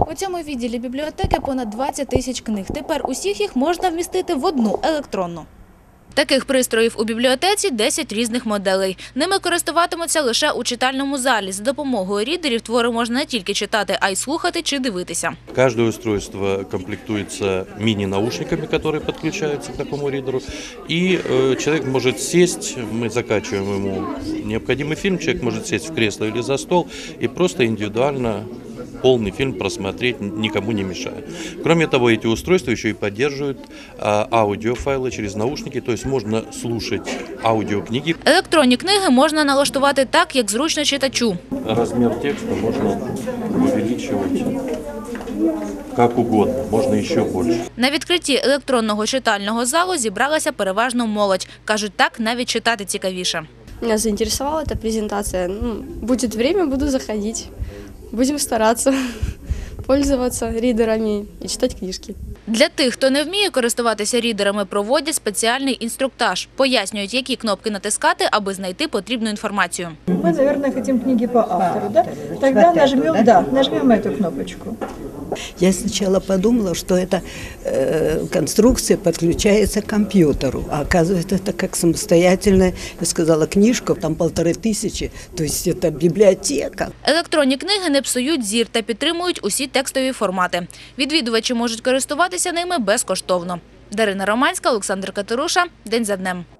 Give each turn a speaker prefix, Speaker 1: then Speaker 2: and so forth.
Speaker 1: У цьому відділі бібліотеки понад 20 тисяч книг. Тепер усіх їх можна вмістити в одну електронну. Таких пристроїв у бібліотеці 10 різних моделей. Ними користуватимуться лише у читальному залі. За допомогою рідерів твори можна не тільки читати, а й слухати чи дивитися.
Speaker 2: Каждое устройство комплектуется мини-наушниками, которые подключаются к такому ридеру. И человек может сесть, мы закачиваем ему необходимый фильм, человек может сесть в кресло или за стол и просто индивидуально полный фильм просмотреть, никому не мешая. Кроме того, эти устройства еще и поддерживают аудиофайлы через наушники, то есть можно слушать аудиокниги.
Speaker 1: Електронні книги можна налаштувати так, як зручно читачу.
Speaker 2: Размер текста можно увеличивать как угодно, можно еще больше.
Speaker 1: На відкритті електронного читального залу зібралася переважно молодь. Кажуть, так навіть читати цікавіше.
Speaker 3: Меня заинтересовала эта презентация. Будет время, буду заходить. Будем стараться пользоваться ридерами и читать книжки.
Speaker 1: Для тих, хто не вміє користуватися рідерами, проводять спеціальний інструктаж. Пояснюють, які кнопки натискати, аби знайти потрібну інформацію.
Speaker 4: Мы, наверное, хотим книги по автору, да? Тогда нажмем эту кнопочку.
Speaker 5: Я сначала подумала, что эта конструкция подключается к компьютеру, а оказывается, это как самостоятельная, я сказала, книжка, там 1500, то есть это библиотека.
Speaker 1: Електронні книги не псують зір та підтримують усі текстові формати. Відвідувачі можуть користуватися ними безкоштовно. Дарина Романська, Олександр Катеруша. День за днем.